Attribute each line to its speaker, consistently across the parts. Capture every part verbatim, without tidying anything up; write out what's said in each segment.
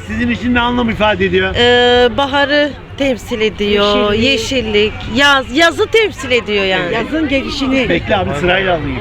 Speaker 1: sizin için ne anlam ifade ediyor?
Speaker 2: Ee, baharı temsil ediyor,
Speaker 3: Yeşillik.
Speaker 2: yeşillik, yaz, yazı temsil ediyor yani.
Speaker 3: Yazın gelişini.
Speaker 1: Bekle abi, sırayla alayım.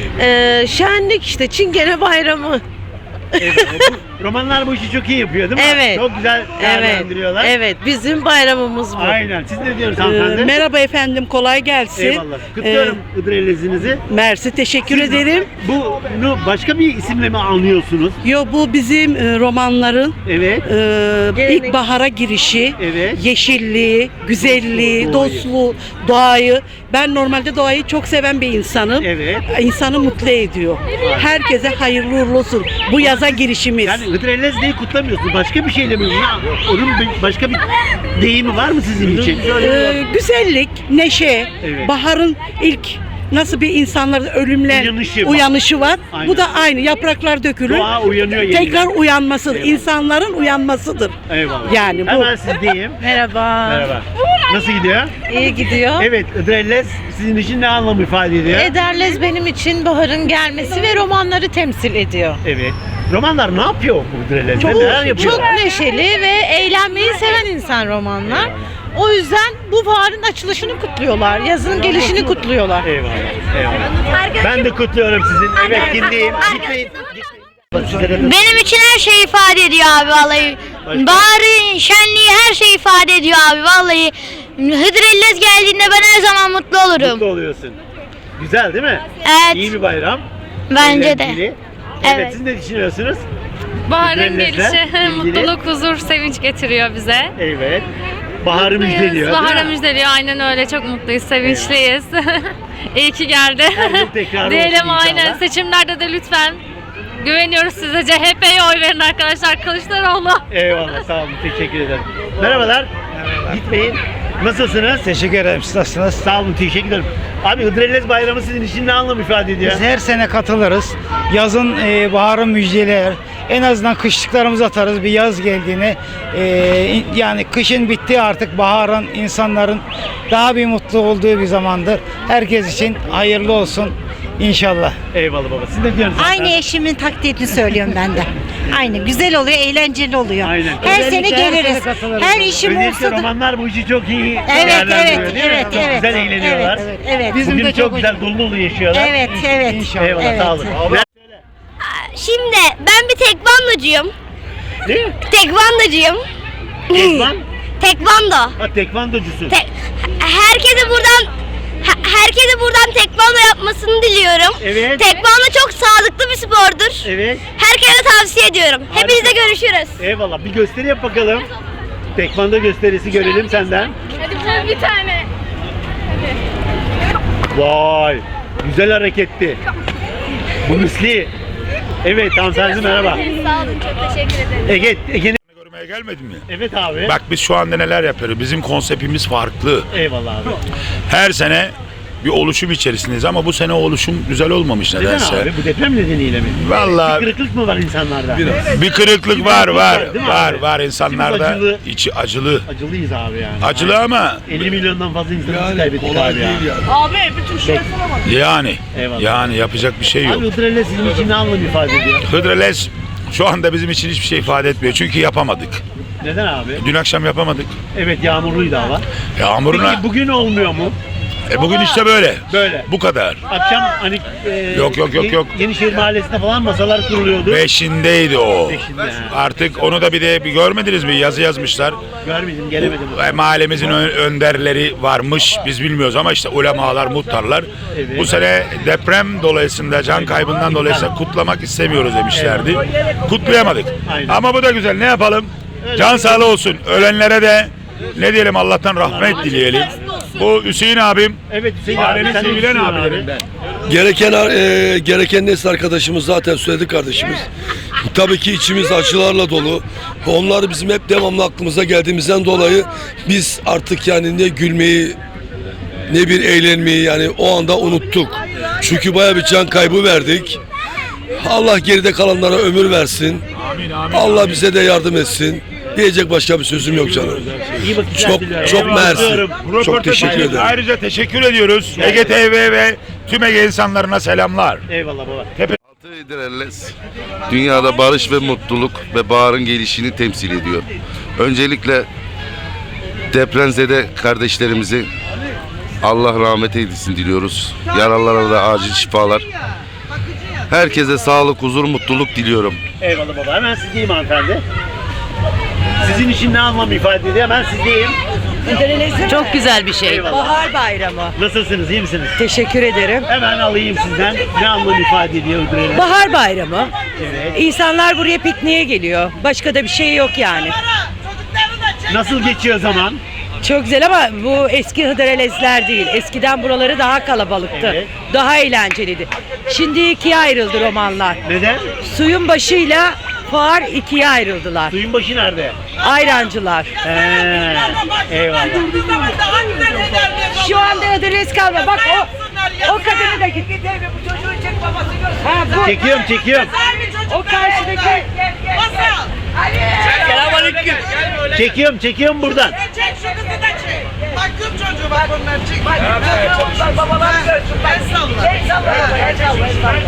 Speaker 2: Ee, şenlik işte, Çingene Bayramı.
Speaker 1: Evet, bu romanlar bu işi çok iyi yapıyor değil mi?
Speaker 2: Evet.
Speaker 1: Çok güzel
Speaker 2: Evet,
Speaker 1: değerlendiriyorlar.
Speaker 2: evet, bizim bayramımız bu.
Speaker 1: Aynen. Siz ne diyorsunuz
Speaker 3: Ee,
Speaker 1: hanımefendi?
Speaker 3: merhaba efendim, kolay gelsin.
Speaker 1: Eyvallah. Kutluyorum
Speaker 3: Ee,
Speaker 1: Hıdrellez'inizi.
Speaker 3: Mersi, teşekkür
Speaker 1: Siz
Speaker 3: ederim.
Speaker 1: Bunu başka bir isimle mi anlıyorsunuz?
Speaker 3: Yo, bu bizim e, romanların
Speaker 1: Evet.
Speaker 3: e, ilk bahara girişi,
Speaker 1: Evet.
Speaker 3: yeşilliği, güzelliği,
Speaker 1: Doğayı.
Speaker 3: dostluğu, doğayı. Ben normalde doğayı çok seven bir insanım.
Speaker 1: Evet.
Speaker 3: İnsanı mutlu ediyor. Herkese hayırlı uğurlu olsun. Bu yaza girişimiz.
Speaker 1: Yani Hıdrellez Day'i kutlamıyorsunuz. Başka bir şeyle mi? Onun bir- başka bir deyimi var mı sizin için?
Speaker 3: Ee, güzellik, neşe,
Speaker 1: Evet.
Speaker 3: baharın ilk nasıl bir insanların ölümle
Speaker 1: Uyanışı var.
Speaker 3: uyanışı var.
Speaker 1: Aynen.
Speaker 3: Bu da aynı. Yapraklar dökülür.
Speaker 1: Doğa uyanıyor yeniden.
Speaker 3: Tekrar uyanmasıdır.
Speaker 1: Eyvallah.
Speaker 3: İnsanların uyanmasıdır.
Speaker 1: Eyvallah.
Speaker 3: Yani bu.
Speaker 1: Hemen sizdeyim.
Speaker 2: Merhaba.
Speaker 1: Merhaba. Nasıl gidiyor?
Speaker 2: İyi gidiyor.
Speaker 1: Evet, Hıdrellez sizin için ne anlam ifade ediyor?
Speaker 2: Ederlez benim için baharın gelmesi ve romanları temsil ediyor.
Speaker 1: Evet. Romanlar ne yapıyor bu Hıdrellez'de?
Speaker 2: Çok,
Speaker 1: Neler yapıyor?
Speaker 2: çok neşeli ve eğlenmeyi seven insan romanlar. O yüzden bu baharın açılışını kutluyorlar, yazın gelişini kutluyorlar.
Speaker 1: Eyvallah. Eyvallah. Ben de kutluyorum sizin. Evet, kindeyim. Gitmeyin. Gitmeyin.
Speaker 4: Benim için her şey ifade ediyor abi vallahi.
Speaker 1: Başka?
Speaker 4: Baharı, şenliği her şey ifade ediyor abi vallahi. Hıdrellez geldiğinde ben her zaman mutlu olurum.
Speaker 1: Mutlu oluyorsun. Güzel değil mi?
Speaker 4: Evet.
Speaker 1: İyi bir bayram.
Speaker 4: Bence de.
Speaker 1: Eğlenceli. Evet.
Speaker 4: Evet.
Speaker 1: Siz ne düşünüyorsunuz?
Speaker 5: Baharın
Speaker 1: Hıdrellez'le
Speaker 5: gelişi
Speaker 1: ilgili.
Speaker 5: mutluluk, huzur, sevinç getiriyor bize.
Speaker 1: Evet. Baharı
Speaker 5: Mutluyuz.
Speaker 1: müjdeliyor. değil
Speaker 5: Baharı
Speaker 1: mi?
Speaker 5: müjdeliyor. Aynen öyle. Çok mutluyuz, sevinçliyiz. İyi ki geldi.
Speaker 1: Her yıl tekrar
Speaker 5: Diyelim
Speaker 1: olsun inşallah.
Speaker 5: aynen. Seçimlerde de lütfen güveniyoruz size. C H P'ye oy verin arkadaşlar. Kılıçdaroğlu.
Speaker 1: Eyvallah, sağ olun. Teşekkür ederim. Merhabalar. Gitmeyin. Nasılsınız?
Speaker 6: Teşekkür ederim. Siz nasılsınız?
Speaker 1: Sağ olun, teşekkür ederim. Abi, Hıdrellez Bayramı sizin için ne anlam ifade ediyor?
Speaker 6: Biz her sene katılırız. Yazın, e, baharın müjdeler. En azından kışlıklarımızı atarız bir yaz geldiğini. E, yani kışın bitti artık, baharın insanların daha bir mutlu olduğu bir zamandır. Herkes için hayırlı olsun inşallah.
Speaker 1: Eyvallah baba. Siz ne diyorsunuz?
Speaker 7: Aynı eşimin taktiğini söylüyorum ben de. Aynı. Güzel oluyor, eğlenceli oluyor.
Speaker 1: Aynen.
Speaker 7: Her sene
Speaker 6: Özellikle her
Speaker 7: geliriz.
Speaker 6: sene katılırız.
Speaker 7: Her işim
Speaker 1: Özellikle
Speaker 7: olsa da.
Speaker 1: romanlar bu işi çok iyi
Speaker 7: Evet,
Speaker 1: değerlendiriyor,
Speaker 7: evet,
Speaker 1: değil mi?
Speaker 7: evet,
Speaker 1: Çok
Speaker 7: evet.
Speaker 1: güzel eğleniyorlar.
Speaker 7: Evet, evet.
Speaker 6: Bizim
Speaker 1: Bugün
Speaker 6: de
Speaker 1: çok
Speaker 6: çok
Speaker 1: güzel dolu dolu yaşıyorlar.
Speaker 7: Evet, evet.
Speaker 6: İnşallah.
Speaker 1: Eyvallah,
Speaker 7: Evet.
Speaker 1: sağ olun.
Speaker 4: Şimdi ben bir tekvandocuyum.
Speaker 1: Ne?
Speaker 4: Tekvandocuyum.
Speaker 1: Tekvan?
Speaker 4: Tekvando.
Speaker 1: Ha, tekvandocusun.
Speaker 4: Te- herkese buradan he- herkese buradan tekvando yapmasını diliyorum.
Speaker 1: Evet.
Speaker 4: Tekvando çok sağlıklı bir spordur.
Speaker 1: Evet.
Speaker 4: Herkese tavsiye ediyorum. Hepinizle görüşürüz.
Speaker 1: Eyvallah. Bir gösteri yap bakalım. Tekvando gösterisi görelim senden.
Speaker 5: Hadi bir tane.
Speaker 1: Vay. Güzel hareketti. Bu misli. Evet, hanımefendi merhaba.
Speaker 4: Sağ olun, çok teşekkür ederim.
Speaker 1: Ege, Ege'nin...
Speaker 8: Görmeye gelmedin mi?
Speaker 1: Evet abi.
Speaker 8: Bak biz şu anda neler yapıyoruz. Bizim konseptimiz farklı.
Speaker 1: Eyvallah abi.
Speaker 8: Her sene bir oluşum içerisindeyiz ama bu sene o oluşum güzel olmamış
Speaker 1: Neden
Speaker 8: nedense.
Speaker 1: abi? Bu deprem nedeniyle mi?
Speaker 8: Vallahi
Speaker 1: Bir kırıklık mı var insanlarda?
Speaker 8: bir kırıklık var var
Speaker 1: Değil mi
Speaker 8: var
Speaker 1: abi?
Speaker 8: var insanlarda.
Speaker 1: İçimiz acılı.
Speaker 8: içi acılı.
Speaker 1: Acılıyız abi yani.
Speaker 8: Acılı ama
Speaker 1: elli milyondan fazla insanımızı kaybettik abi ya.
Speaker 8: yani
Speaker 1: Eyvallah.
Speaker 8: yani yapacak bir şey yok.
Speaker 1: Abi Hıdrellez sizin için ne anlam ifade ediyor?
Speaker 8: Hıdrellez şu anda bizim için hiçbir şey ifade etmiyor. Çünkü yapamadık.
Speaker 1: Neden abi?
Speaker 8: Dün akşam yapamadık.
Speaker 1: Evet, yağmurluydu hava.
Speaker 8: Yağmuruna.
Speaker 1: Peki bugün olmuyor mu?
Speaker 8: E bugün işte böyle.
Speaker 1: Böyle.
Speaker 8: Bu kadar.
Speaker 1: Akşam hani e,
Speaker 8: Yok, yok, yok,
Speaker 1: Ye-
Speaker 8: yok.
Speaker 1: Yenişehir Mahallesi'nde falan masalar kuruluyordu.
Speaker 8: Beşindeydi o.
Speaker 1: Beşinde, ha.
Speaker 8: Artık onu da bir de bir görmediniz mi? Yazı yazmışlar.
Speaker 1: Görmedim, gelemedim.
Speaker 8: E, Mahallemizin ö- önderleri varmış. Biz bilmiyoruz ama işte ulemalar, muhtarlar.
Speaker 1: Evet.
Speaker 8: Bu sene deprem dolayısıyla, can kaybından dolayısıyla kutlamak istemiyoruz demişlerdi. Kutlayamadık.
Speaker 1: Aynen.
Speaker 8: Ama bu da güzel. Ne yapalım? Can sağlığı olsun. Ölenlere de ne diyelim, Allah'tan rahmet dileyelim. Bu Hüseyin abim.
Speaker 1: Evet, Hüseyin
Speaker 8: Mahallenin
Speaker 1: abi, sen de
Speaker 8: sevilen
Speaker 1: Hüseyin
Speaker 8: abilerinden.
Speaker 9: Gereken e, gereken nesli arkadaşımız zaten söyledi kardeşimiz. Tabii ki içimiz acılarla dolu. Onlar bizim hep devamlı aklımıza geldiğimizden dolayı biz artık yani ne gülmeyi ne bir eğlenmeyi yani o anda unuttuk. Çünkü bayağı bir can kaybı verdik. Allah geride kalanlara ömür versin.
Speaker 8: Amin, amin,
Speaker 9: Allah
Speaker 8: amin.
Speaker 9: bize de yardım etsin. Diyecek başka bir sözüm yok canım.
Speaker 1: İyi vakitler
Speaker 9: Çok
Speaker 1: diliyorum.
Speaker 9: çok
Speaker 1: Eyvallah.
Speaker 9: mersi.
Speaker 8: Bu
Speaker 9: Çok
Speaker 8: röportaj
Speaker 9: teşekkür
Speaker 8: için
Speaker 9: ederim.
Speaker 8: Ayrıca teşekkür ediyoruz. Ege T V ve tüm Ege insanlarına selamlar.
Speaker 1: Eyvallah baba.
Speaker 8: Tepe
Speaker 10: Hıdrellez dünyada barış ve mutluluk ve baharın gelişini temsil ediyor. Öncelikle depremzede kardeşlerimizi Allah rahmet eylesin diliyoruz. Yaralılara da acil şifalar. Herkese sağlık, huzur, mutluluk diliyorum.
Speaker 1: Eyvallah baba. Hemen sizdeyim hanımefendi. Sizin için ne anlam ifade ediyor? Hemen sizdeyim.
Speaker 3: Çok güzel bir şey.
Speaker 1: Eyvallah.
Speaker 3: Bahar bayramı.
Speaker 1: Nasılsınız? İyi misiniz?
Speaker 3: Teşekkür ederim.
Speaker 1: Hemen alayım sizden. Ne anlam ifade ediyor Hıdrellez?
Speaker 3: Bahar bayramı.
Speaker 1: Evet.
Speaker 3: İnsanlar buraya pikniğe geliyor. Başka da bir şey yok yani.
Speaker 1: Nasıl geçiyor zaman?
Speaker 3: Çok güzel ama bu eski Hıdrellezler değil. Eskiden buraları daha kalabalıktı.
Speaker 1: Evet.
Speaker 3: Daha eğlenceliydi. Şimdi ikiye ayrıldı romanlar.
Speaker 1: Neden?
Speaker 3: Suyun başıyla fuar ikiye ayrıldılar.
Speaker 1: Suyun başı nerede?
Speaker 3: Ayrancılar.
Speaker 1: He, eyvallah.
Speaker 3: Şu anda Hıdrellez kalma. Bak o o kadını da git. Bu çocuğu çek babası görsün. Ha, bu.
Speaker 1: Çekiyorum, çekiyorum.
Speaker 3: O karşıdaki.
Speaker 1: Selamünaleyküm. Çekiyorum, çekiyorum buradan.
Speaker 11: Çek şu kızı da çek. Bak kız çocuğu bak onlar çek. Bak çocuğu babalar görsün. Ben salla.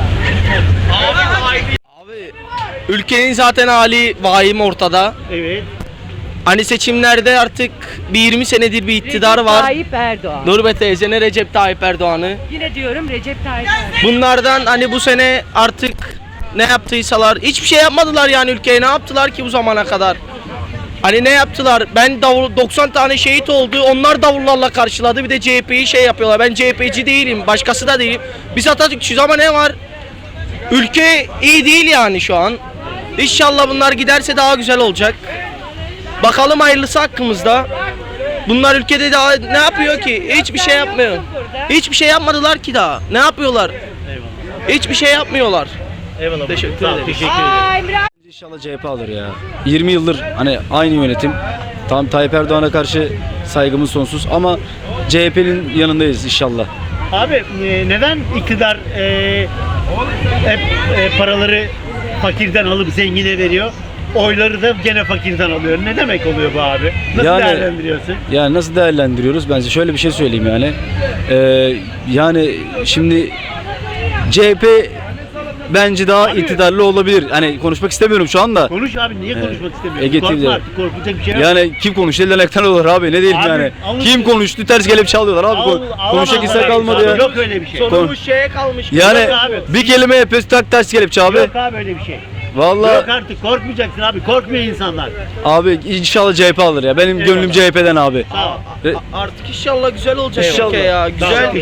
Speaker 12: Abi ülkenin zaten hali vahim ortada.
Speaker 1: Evet.
Speaker 12: Hani seçimlerde artık bir yirmi senedir bir iktidar var.
Speaker 3: Tayyip Erdoğan.
Speaker 12: Nurbe teyze ne Recep Tayyip Erdoğan'ı.
Speaker 3: Yine diyorum Recep Tayyip Erdoğan.
Speaker 12: Bunlardan hani bu sene artık ne yaptıysalar hiçbir şey yapmadılar yani ülkeye ne yaptılar ki bu zamana kadar. Hani ne yaptılar? Ben davul, doksan tane şehit oldu. Onlar davullarla karşıladı. Bir de C H P'yi şey yapıyorlar. Ben C H P'ci değilim. Başkası da değilim. Biz Atatürkçüyüz ama ne var? Ülke iyi değil yani şu an. İnşallah bunlar giderse daha güzel olacak. Bakalım hayırlısı hakkımızda. Bunlar ülkede daha ne yapıyor ki? Hiçbir şey yapmıyor. Hiçbir şey yapmadılar ki daha. Ne yapıyorlar? Hiçbir şey yapmıyorlar.
Speaker 1: Eyvallah.
Speaker 12: Teşekkür
Speaker 1: Sağ ol,
Speaker 12: ederim.
Speaker 1: Teşekkür ederim.
Speaker 13: İnşallah C H P alır ya. yirmi yıldır hani aynı yönetim. Tam Tayyip Erdoğan'a karşı saygımız sonsuz ama C H P'nin yanındayız inşallah.
Speaker 1: Abi e, neden iktidar e, hep e, paraları fakirden alıp zengine veriyor? Oyları da gene fakirden alıyor. Ne demek oluyor bu abi? Nasıl
Speaker 13: Yani-
Speaker 1: değerlendiriyorsun?
Speaker 13: Yani nasıl değerlendiriyoruz? Ben size şöyle bir şey söyleyeyim yani. Ee, yani şimdi C H P bence daha
Speaker 1: Abi-
Speaker 13: iktidarlı olabilir. Hani konuşmak istemiyorum şu anda.
Speaker 1: Konuş abi, niye
Speaker 13: Evet.
Speaker 1: konuşmak istemiyorsun?
Speaker 13: Ege
Speaker 1: Korkma
Speaker 13: T V'de.
Speaker 1: artık, korkulacak bir şey yok.
Speaker 13: Yani kim konuştu elden ayaktan olur abi ne diyeyim
Speaker 1: Abi,
Speaker 13: yani.
Speaker 1: alın-
Speaker 13: Kim konuştu ters gelip çalıyorlar abi.
Speaker 1: Al-
Speaker 13: Kon-
Speaker 1: al-
Speaker 13: Konuşacak
Speaker 1: al-
Speaker 13: insan
Speaker 1: al-
Speaker 13: kalmadı
Speaker 1: abi,
Speaker 13: ya.
Speaker 1: Yok öyle bir şey.
Speaker 12: Sonumuz şeye kalmış.
Speaker 13: Yani
Speaker 1: Yok abi.
Speaker 13: bir kelime yapıyoruz tak ters kelepçe abi.
Speaker 1: Yok abi öyle bir şey.
Speaker 13: Vallahi
Speaker 1: Yok artık, korkmayacaksın abi. Korkmuyor insanlar.
Speaker 13: abi inşallah C H P alır ya. Benim
Speaker 1: Eyvallah.
Speaker 13: gönlüm C H P'den abi.
Speaker 1: Sağ ol.
Speaker 13: Re-
Speaker 12: Artık inşallah güzel olacak
Speaker 13: İnşallah.
Speaker 12: ülke ya.
Speaker 1: Sağ ol.
Speaker 12: Güzel.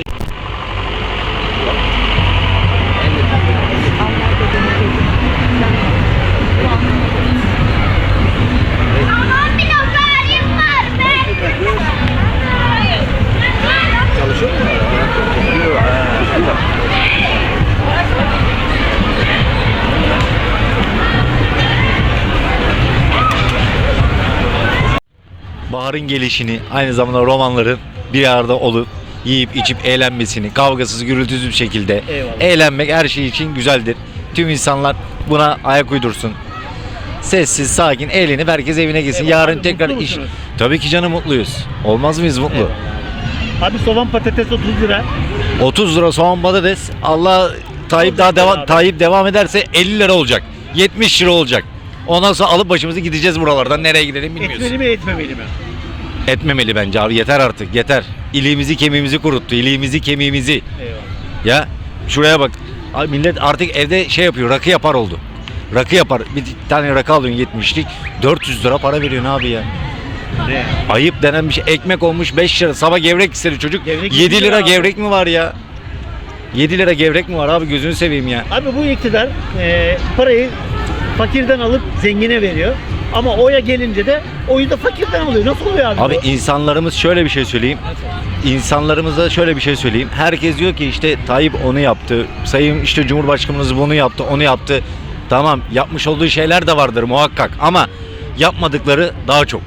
Speaker 14: Baharın gelişini, aynı zamanda romanların bir arada olup yiyip içip eğlenmesini, kavgasız gürültüsüz bir şekilde
Speaker 1: Eyvallah.
Speaker 14: eğlenmek her şey için güzeldir. Tüm insanlar buna ayak uydursun. Sessiz, sakin, eğlenip herkes evine gitsin.
Speaker 1: Eyvallah.
Speaker 14: Yarın
Speaker 1: Abi,
Speaker 14: tekrar
Speaker 1: mutlu
Speaker 14: iş.
Speaker 1: musunuz?
Speaker 14: Tabii ki canım mutluyuz. Olmaz mıyız mutlu?
Speaker 1: Eyvallah. Abi soğan patates otuz lira.
Speaker 14: otuz lira soğan patates. Allah Tayyip daha
Speaker 1: Olacak
Speaker 14: devam
Speaker 1: abi.
Speaker 14: Tayyip devam ederse elli lira olacak. yetmiş lira olacak. Ondan sonra alıp başımızı gideceğiz buralardan. Nereye gidelim bilmiyoruz.
Speaker 1: Etmeli mi etmemeli mi?
Speaker 14: Etmemeli bence abi, yeter artık yeter. İliğimizi kemiğimizi kuruttu, iliğimizi kemiğimizi.
Speaker 1: Eyvallah.
Speaker 14: Ya şuraya bak, abi millet artık evde şey yapıyor, rakı yapar oldu. Rakı yapar, bir tane rakı alıyorsun yetmişlik, dört yüz lira para veriyorsun abi ya.
Speaker 1: Ne?
Speaker 14: Ayıp denen bir şey, ekmek olmuş beş lira, sabah gevrek istedi çocuk,
Speaker 1: Gevrek
Speaker 14: yedi
Speaker 1: yedi
Speaker 14: lira
Speaker 1: lira abi.
Speaker 14: gevrek mi var ya? yedi lira gevrek mi var abi, gözünü seveyim ya.
Speaker 1: Abi bu iktidar e, parayı fakirden alıp zengine veriyor. Ama oya gelince de oyu da fakirden alıyor. Nasıl oluyor abi?
Speaker 14: Abi
Speaker 1: bu?
Speaker 14: insanlarımız şöyle bir şey söyleyeyim. İnsanlarımıza şöyle bir şey söyleyeyim. Herkes diyor ki işte Tayyip onu yaptı. Sayın işte Cumhurbaşkanımız bunu yaptı, onu yaptı. Tamam, yapmış olduğu şeyler de vardır muhakkak ama yapmadıkları daha çok.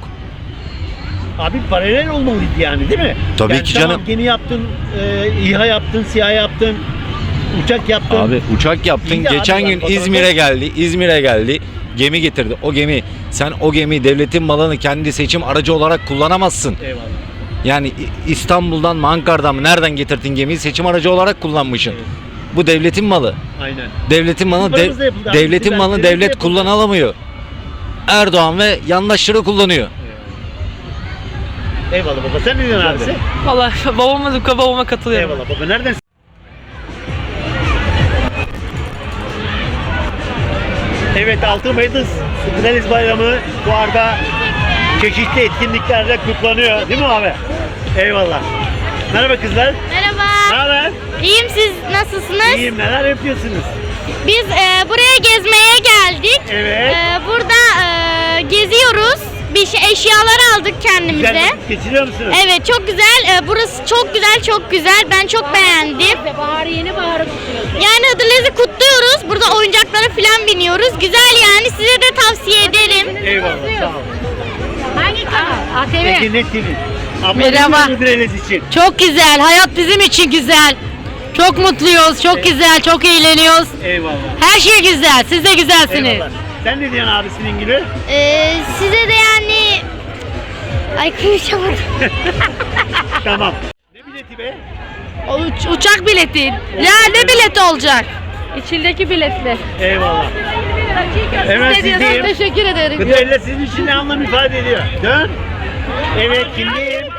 Speaker 1: Abi paralel olmalıydı yani, değil mi?
Speaker 14: Tabii
Speaker 1: Yani
Speaker 14: ki
Speaker 1: tamam,
Speaker 14: canım.
Speaker 1: gemi yaptın, e, İHA yaptın, SİHA yaptın, uçak yaptın.
Speaker 14: Abi uçak yaptın.
Speaker 1: İyi de
Speaker 14: Geçen
Speaker 1: abi bak,
Speaker 14: gün
Speaker 1: fotoğrafta-
Speaker 14: İzmir'e geldi. İzmir'e geldi. Gemi getirdi. O gemi, sen o gemi devletin malını kendi seçim aracı olarak kullanamazsın.
Speaker 1: Eyvallah.
Speaker 14: Yani İ- İstanbul'dan mı Ankara'dan mı nereden getirdin gemiyi, seçim aracı olarak kullanmışsın. Bu devletin malı.
Speaker 1: Aynen.
Speaker 14: Devletin malı, dev-
Speaker 1: Paramızla yapıldı abi.
Speaker 14: devletin
Speaker 1: Sizler
Speaker 14: malını
Speaker 1: paramızla
Speaker 14: devlet
Speaker 1: yapıldı.
Speaker 14: kullanamıyor. Erdoğan ve yandaşları kullanıyor.
Speaker 1: Eyvallah baba. Sen ne diyorsun abisi?
Speaker 15: Valla babama, babama katılıyorum.
Speaker 1: Eyvallah baba. Nereden? Evet, altı Mayıs Hıdrellez Bayramı bu arada çeşitli etkinliklerle kutlanıyor. Değil mi abi? Eyvallah. Merhaba kızlar.
Speaker 4: Merhaba.
Speaker 1: Ne haber?
Speaker 4: İyiyim, siz nasılsınız?
Speaker 1: İyiyim. Neler yapıyorsunuz?
Speaker 4: Biz e, buraya gezmeye geldik.
Speaker 1: Evet.
Speaker 4: E, burada e, geziyoruz. Bir şey eşyalar aldık kendimize.
Speaker 1: Güzel vakit geçiriyor musunuz?
Speaker 4: Evet, çok güzel. E, burası çok güzel, çok güzel. Ben çok beğendim.
Speaker 2: Baharı yeni baharı kutluyoruz.
Speaker 4: Yani Hıdrellez'i kutluyoruz. Burada oyuncaklara falan biniyoruz. Güzel yani. Size de tavsiye ederim.
Speaker 1: Eyvallah. Sağ ol.
Speaker 2: Hangi kanal? A T V.
Speaker 1: Ege Net T V. Abla,
Speaker 2: Merhaba.
Speaker 1: ne diyorsun Hıdrellez için?
Speaker 2: Çok güzel. Hayat bizim için güzel. Çok mutluyuz. Çok güzel. Çok eğleniyoruz.
Speaker 1: Eyvallah.
Speaker 2: Her şey güzel. Siz de güzelsiniz.
Speaker 1: Eyvallah. Sen ne diyorsun abisinin gibi?
Speaker 4: E, size de yani... Ay konuşamadım.
Speaker 1: Tamam. Ne bileti be?
Speaker 2: O uç- uçak bileti. Ya ne bileti olacak? İçindeki biletli.
Speaker 1: Eyvallah. Hemen
Speaker 2: Size diyorum,
Speaker 1: sizdeyim.
Speaker 2: teşekkür ederim.
Speaker 1: Hıdrellez sizin için ne anlam ifade ediyor? Dön. Evet, kimdeyim?